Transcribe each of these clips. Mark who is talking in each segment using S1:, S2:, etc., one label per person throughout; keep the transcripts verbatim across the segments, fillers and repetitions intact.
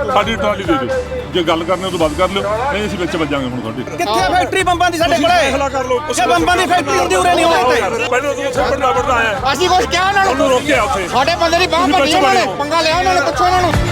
S1: ਸਾਡੀ ਟਰਾਲੀ ਦੇ ਦਿਓ। ਜੇ ਗੱਲ ਕਰਨੀ ਉਹ ਤੋਂ ਬਾਅਦ ਕਰ ਲਿਓ, ਨਹੀਂ ਅਸੀਂ ਵਿੱਚ ਵੱਜਾਂਗੇ ਹੁਣ ਤੁਹਾਡੇ।
S2: ਕਿੱਥੇ ਫੈਕਟਰੀ ਬੰਬਾਂ ਦੀ ਸਾਡੇ ਕੋਲੇ?
S1: ਫੈਸਲਾ ਕਰ ਲਓ।
S2: ਜੇ ਬੰਬਾਂ ਦੀ ਫੈਕਟਰੀ ਹੁੰਦੀ ਉਰੇ ਨਹੀਂ ਹੋਣੀ ਤੇ
S1: ਪਹਿਲਾਂ ਤੂੰ ਉੱਥੇ ਵੱਡਾ ਵੱਡਾ ਆਇਆ,
S3: ਅਸੀਂ ਕੁਝ ਕਿਹਾ ਉਹਨਾਂ
S1: ਉਹਨੂੰ
S3: ਨੂੰ,
S1: ਰੋਕਿਆ ਉੱਥੇ।
S3: ਸਾਡੇ ਬੰਦੇ ਦੀ ਬਾਂਹ ਭੰਨੀ ਉਹਨਾਂ ਨੇ, ਪੰਗਾ ਲਿਆ ਉਹਨਾਂ ਨੇ, ਪੁੱਛੋ ਉਹਨਾਂ ਨੂੰ।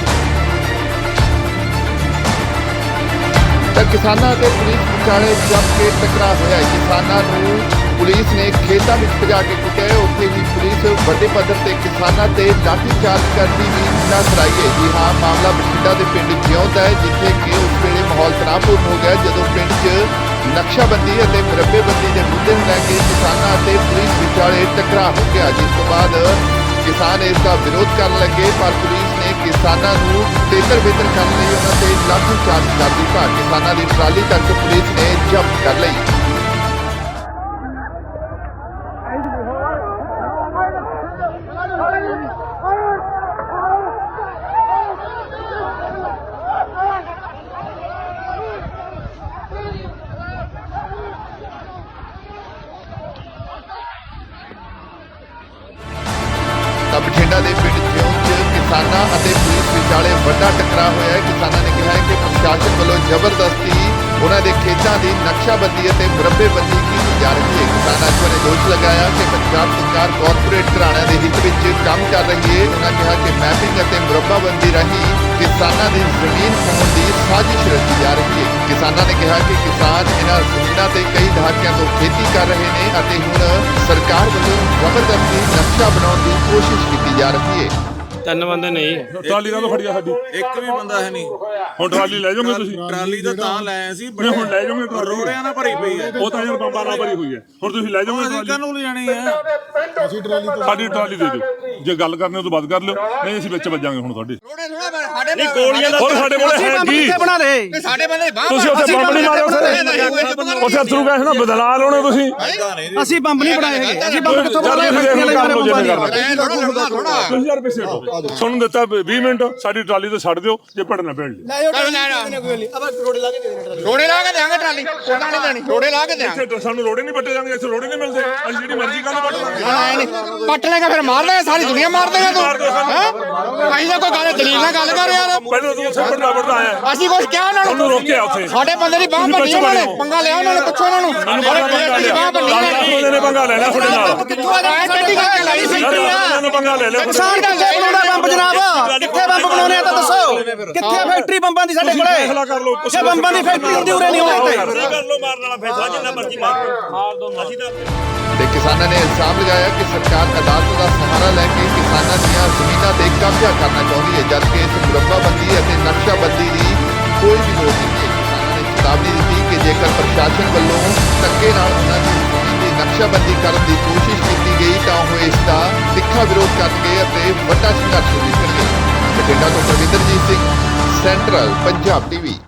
S4: ਤਾਂ ਕਿਸਾਨਾਂ ਅਤੇ ਪੁਲਿਸ ਵਿਚਾਲੇ ਜੰਮ ਕੇ ਟਕਰਾਅ ਹੋਇਆ। ਕਿਸਾਨਾਂ ਨੂੰ ਪੁਲਿਸ ਨੇ ਖੇਤਾਂ ਵਿੱਚ ਭਜਾ ਕੇ ਕੁੱਟਿਆ। ਉੱਥੇ ਹੀ ਪੁਲਿਸ ਵੱਡੇ ਪੱਧਰ ਤੇ ਕਿਸਾਨਾਂ ਤੇ ਲਾਠੀਚਾਰਜ ਕਰਦੀ ਵੀ ਨਜ਼ਰ ਆਈ ਹੈ। ਜੀ ਹਾਂ, ਮਾਮਲਾ ਬਠਿੰਡਾ ਦੇ ਪਿੰਡ ਜਿਉਂਦ ਹੈ, ਜਿੱਥੇ ਕਿ ਉਸ ਵੇਲੇ ਮਾਹੌਲ ਤਣਾਅਪੂਰਨ ਹੋ ਗਿਆ ਜਦੋਂ ਪਿੰਡ 'ਚ ਨਕਸ਼ਾਬੰਦੀ ਅਤੇ ਮੁਰੱਬੇਬੰਦੀ ਦੇ ਮੁੱਦੇ ਨੂੰ ਲੈ ਕੇ ਕਿਸਾਨਾਂ ਅਤੇ ਪੁਲਿਸ ਵਿਚਾਲੇ ਟਕਰਾਅ ਹੋ ਗਿਆ, ਜਿਸ ਤੋਂ ਬਾਅਦ ਕਿਸਾਨ ਇਸ ਦਾ ਵਿਰੋਧ ਕਰਨ ਲੱਗੇ, ਪਰ ਪੁਲਿਸ ਨੇ ਕਿਸਾਨਾਂ ਨੂੰ ਤੇਤਰ ਬੇਤਰ ਕਰਨ ਲਈ ਉਹਨਾਂ ਤੇ ਲਾਠੀਚਾਰਜ ਕਰ ਦਿੱਤਾ। ਕਿਸਾਨਾਂ ਦੀ ਟਰਾਲੀ ਤੱਕ ਪੁਲਿਸ ਨੇ ਜ਼ਬਤ ਕਰ ਲਈ। ਤਾਂ ਬਠਿੰਡਾ ਦੇ ਪਿੰਡ ਜਿਉਂਦ 'ਚ ਕਿਸਾਨਾਂ ਅਤੇ ਪੁਲਿਸ ਵਿਚਾਲੇ ਵੱਡਾ ਟਕਰਾਅ ਹੋਇਆ ਹੈ। ਕਿਸਾਨਾਂ ਨੇ ਕਿਹਾ ਹੈ ਕਿ ਪ੍ਰਸ਼ਾਸਨ ਵੱਲੋਂ ਜ਼ਬਰਦਸਤੀ ਉਹਨਾਂ ਦੇ ਖੇਤਾਂ ਦੀ ਨਕਸ਼ਾਬੰਦੀ ਅਤੇ ਮੁਰੱਬੇਬੰਦੀ ਕੀਤੀ ਜਾ ਰਹੀ ਹੈ। ਕਿਸਾਨਾਂ ਨੇ ਦੋਸ਼ ਲਗਾਇਆ ਕਿ ਪੰਜਾਬ ਸਰਕਾਰ ਕਾਰਪੋਰੇਟ ਘਰਾਣਿਆਂ ਦੇ ਹਿੱਤ ਵਿੱਚ ਕੰਮ ਕਰ ਰਹੀ ਹੈ। ਉਹਨਾਂ ਕਿਹਾ ਕਿ ਮੈਪਿੰਗ ਅਤੇ ਮੁਰੱਬਾਬੰਦੀ ਰਾਹੀਂ ਕਿਸਾਨਾਂ ਦੀ ਜ਼ਮੀਨ ਖੋਹਣ ਦੀ ਸਾਜ਼ਿਸ਼ ਰਚੀ ਜਾ ਰਹੀ ਹੈ। ਕਿਸਾਨਾਂ ਨੇ ਕਿਹਾ ਕਿ ਕਿਸਾਨ ਇਹਨਾਂ ਜ਼ਮੀਨਾਂ ਤੇ ਕਈ ਦਹਾਕਿਆਂ ਤੋਂ ਖੇਤੀ ਕਰ ਰਹੇ ਨੇ ਅਤੇ ਹੁਣ ਸਰਕਾਰ ਵੱਲੋਂ ਜ਼ਬਰਦਸਤੀ ਨਕਸ਼ਾ ਬਣਾਉਣ ਦੀ ਕੋਸ਼ਿਸ਼ ਕੀਤੀ ਜਾ ਰਹੀ ਹੈ।
S5: ਤਿੰਨ ਬੰਦੇ ਨਹੀਂ,
S1: ਟਰਾਲੀ ਕਾਹਤੋਂ ਫੜੀ ਆ ਸਾਡੀ?
S6: ਇੱਕ ਵੀ ਬੰਦਾ ਹੈ ਨਹੀਂ।
S1: ਹੁਣ ਟਰਾਲੀ ਲੈ ਜਾਓਗੇ ਤੁਸੀਂ?
S6: ਟਰਾਲੀ ਤਾਂ ਤਾਂ ਲੈ ਆਏ ਸੀ,
S1: ਨਹੀਂ ਹੁਣ ਲੈ ਜਾਓਗੇ ਟਰਾਲੀ?
S6: ਰੋੜਿਆਂ ਨਾਲ ਭਰੀ ਪਈ ਹੈ।
S1: ਉਹ ਤਾਂ ਯਾਰ ਬੰਬਾਂ ਨਾਲ ਭਰੀ ਹੋਈ ਹੈ। ਹੁਣ ਤੁਸੀਂ ਲੈ ਜਾਓਗੇ
S6: ਅਸੀਂ
S1: ਟਰਾਲੀ?
S6: ਕਾਹਨੂੰ ਲਿਜਾਣੀ ਹੈ?
S1: ਸਾਡੀ ਟਰਾਲੀ ਦੇ ਦਿਓ। ਜੇ ਗੱਲ ਕਰਨੀ ਉਹ ਤੋਂ ਬਾਅਦ ਕਰ ਲਿਓ, ਨਹੀਂ ਅਸੀਂ ਵਿੱਚ ਵੱਜਾਂਗੇ ਹੁਣ ਤੁਹਾਡੇ।
S3: ਰੋੜੇ ਥੋੜਾ ਸਾਡੇ
S5: ਨਹੀਂ ਗੋਲੀਆਂ ਦਾ
S1: ਹੋਰ ਸਾਡੇ ਕੋਲ
S2: ਅਸੀਂ
S1: ਹੈ
S2: ਬੰਬ
S1: ਕੀ?
S2: ਕਿੱਥੇ ਬਣਾ ਰਹੇ?
S3: ਤੇ ਸਾਡੇ ਬੰਦੇ ਦੀ ਬਾਂਹ
S1: ਤੁਸੀਂ ਉੱਥੇ ਬੰਬ ਨਹੀਂ ਮਾਰੇ? ਉੱਥੇ ਅਥਰੂ ਗੈਸ ਨਾਲ ਬਦਲਾ ਲਾਉਣੇ ਤੁਸੀਂ।
S2: ਅਸੀਂ ਬੰਬ ਨਹੀਂ ਬਣਾਏ ਹੈਗੇ। ਅਸੀਂ ਬੰਬ ਕਿੱਥੋਂ ਬਣਾ ਰਹੇ?
S1: ਤੁਸੀਂ
S2: ਫੈਕਟਰੀ ਵਾਲੇ ਬੰਬਾਂ ਦੀ
S3: ਥੋੜਾ ਥੋੜਾ
S1: ਤੁਸੀਂ ਯਾਰ ਪਿੱਛੇ ਹਟੋ। ਤੁਹਾਨੂੰ ਦਿੱਤਾ ਵੀਹ ਮਿੰਟ, ਸਾਡੀ ਟਰਾਲੀ ਤੇ ਛੱਡ ਦਿਓ ਜੇ ਪੜਨਾ ਪੈਣ ਲਈ।
S3: ਰੋੜੇ ਲਾ ਕੇ ਦੇਾਂਗੇ ਟਰਾਲੀ, ਉਹਨਾਂ ਨੇ ਦੇਣੀ, ਰੋੜੇ ਲਾ ਕੇ ਦੇਾਂਗੇ।
S1: ਇੱਥੇ ਸਾਨੂੰ ਰੋੜੇ ਨਹੀਂ ਪੱਟੇ ਜਾਂਦੇ, ਇੱਥੇ ਰੋੜੇ ਨਹੀਂ ਮਿਲਦੇ। ਅਸੀਂ ਜਿਹੜੀ ਮਰਜ਼ੀ ਗੱਲ ਪੱਟ ਲਾਂਗੇ।
S3: ਪੱਟ ਲੇਗਾ ਫਿਰ ਮਾਰ ਲੇਗਾ, ਸਾਰੀ ਦੁਨੀਆ ਮਾਰ ਦੇਗਾ ਤੂੰ। ਅਸੀਂ ਤਾਂ ਕੋਈ ਗੱਲ ਦਲੀਲ ਨਾਲ ਗੱਲ ਕਰ ਯਾਰ।
S1: ਪਹਿਲਾਂ ਤੂੰ ਉੱਥੇ ਵੱਡਾ ਵੱਡਾ ਆਇਆ,
S3: ਅਸੀਂ ਕੁਝ ਕਿਹਾ ਉਹਨਾਂ
S1: ਉਹਨੂੰ
S3: ਨੂੰ,
S1: ਰੋਕਿਆ ਉੱਥੇ।
S3: ਸਾਡੇ ਬੰਦੇ ਦੀ ਬਾਂਹ ਭੰਨੀ ਉਹਨਾਂ ਨੇ, ਪੰਗਾ ਲਿਆ ਉਹਨਾਂ ਨੇ, ਪੁੱਛੋ ਉਹਨਾਂ ਨੂੰ।
S1: ਬੰਦੇ ਨੇ ਪੰਗਾ ਲੈ ਲਿਆ ਤੁਹਾਡੇ ਨਾਲ।
S3: ਕਿੱਥੋਂ ਆ ਗਿਆ ਟੱਡੀ ਕਰਕੇ ਲਾਈ ਸੀ
S1: ਬੰਦੇ ਨੇ ਪੰਗਾ ਲੈ ਲਿਆ।
S2: ਕਿਸਾਨ ਕਿੱਥੇ ਬਣਾਉਣਾ ਬੰਬ ਜਨਾਬ? ਕਿੱਥੇ ਬੰਬ ਬਣਾਉਣੇ ਆ ਤਾਂ ਦੱਸੋ। ਕਿੱਥੇ ਫੈਕਟਰੀ ਬੰਬਾਂ ਦੀ ਸਾਡੇ ਕੋਲੇ?
S1: ਫੈਸਲਾ ਕਰ ਲਓ।
S2: ਜੇ ਬੰਬਾਂ ਦੀ ਫੈਕਟਰੀ ਹੁੰਦੀ ਉਰੇ ਨਹੀਂ ਹੋਣੀ ਤੇ
S5: ਕਰ ਲੋ, ਮਾਰਨ ਵਾਲਾ ਫੈਸਲਾ ਜਿੰਨਾ ਮਰਜ਼ੀ ਮਾਰ ਮਾਰ ਦੋ। ਅਸੀਂ ਤਾਂ
S4: ਤੇ ਕਿਸਾਨਾਂ ਨੇ ਇਲਜ਼ਾਮ ਲਗਾਇਆ ਕਿ ਸਰਕਾਰ ਅਦਾਲਤ ਦਾ ਸਹਾਰਾ ਲੈ ਕੇ ਕਿਸਾਨਾਂ ਦੀਆਂ ਜ਼ਮੀਨਾਂ ਤੇ ਕਬਜ਼ਾ ਕਰਨਾ ਚਾਹੁੰਦੀ ਹੈ, ਜਦਕਿ ਇਸ ਮੁਰੱਬਾਬੰਦੀ ਅਤੇ ਨਕਸ਼ਾਬੰਦੀ ਦੀ ਕੋਈ ਵੀ ਲੋੜ ਨਹੀਂ ਹੈ। ਕਿਸਾਨਾਂ ਨੇ ਚੇਤਾਵਨੀ ਦਿੱਤੀ ਕਿ ਜੇਕਰ ਪ੍ਰਸ਼ਾਸਨ ਵੱਲੋਂ ਧੱਕੇ ਨਾਲ ਉਹਨਾਂ ਦੀ ਜ਼ਮੀਨ ਦੀ ਨਕਸ਼ਾਬੰਦੀ ਕਰਨ ਦੀ ਕੋਸ਼ਿਸ਼ ਕੀਤੀ ਗਈ ਤਾਂ ਉਹ ਇਸ ਦਾ ਤਿੱਖਾ ਵਿਰੋਧ ਕਰਨਗੇ ਅਤੇ ਵੱਡਾ ਸੰਘਰਸ਼ ਵੀ ਕਰਨਗੇ। ਬਠਿੰਡਾ ਤੋਂ ਪ੍ਰਵਿੰਦਰਜੀਤ ਸਿੰਘ, ਸੈਂਟਰਲ ਪੰਜਾਬ ਟੀਵੀ।